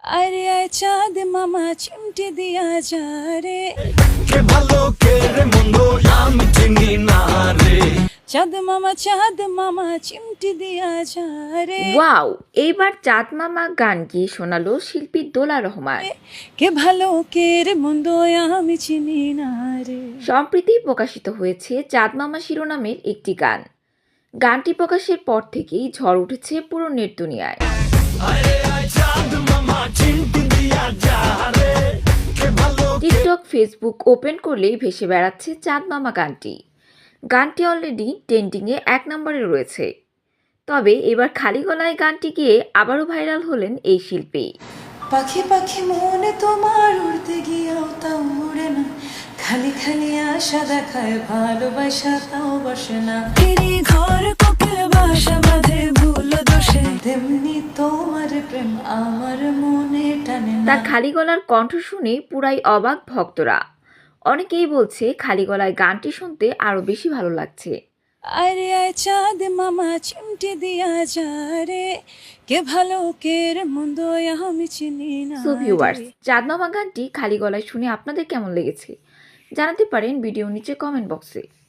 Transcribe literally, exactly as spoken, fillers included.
अरे आय चाँद मामा चिमटी दिया जा रे কে ভালো কে রে মন্দ আমি চিনি না রে। চাঁদ মামা চাঁদ মামা চিমটি দিয়া যা রে ওয়াও, এইবার চাঁদ মামা গান গিয়ে শোনালো শিল্পী দোলা রহমান। কে ভালো কে রে মন্দ আমি চিনি না রে। সম্প্রতি প্রকাশিত হয়েছে চাঁদ মামা শিরোনামের একটি গান। গানটি প্রকাশের পর থেকেই ঝড় উঠেছে পুরো নেট দুনিয়ায়। আরে আয় চাঁদ মামা চিমটি দিয়া যা রে কে ভালো টিকটক, ফেসবুক ওপেন করলেই ভেসে বেড়াচ্ছে চাঁদ মামা গানটি। গানটি অলরেডি ট্রেন্ডিংয়ে এক নম্বরে রয়েছে। তবে এবার খালি গলায় গানটি গিয়ে আবারও ভাইরাল হলেন এই শিল্পী। পাখি পাখি মনে তোমার উড়তে গিয়েও তাও উড়ে না খালি খালি আশা দেখায় ভালোবাসা তাও বসে না ফিরি ঘর কোকিল বাসা বাঁধে ভুল দোষে তেমনি তোমার প্রেম আমার মনে টানে না। তার খালি গলার কণ্ঠ শুনে পুরাই অবাক ভক্তরা। অনেকেই বলছে খালি গলায় গানটি শুনতে আরো বেশি ভালো লাগছে। अरे आय चाँद मामा चिमटी दिया जा रे কে ভালো কে রে মন্দ আমি চিনি না সো ভিউয়ার্স, রে। চাঁদ মামা গানটি খালি গলায় শুনে আপনাদের কেমন লেগেছে জানাতে পারেন ভিডিও নিচে কমেন্ট বক্সে।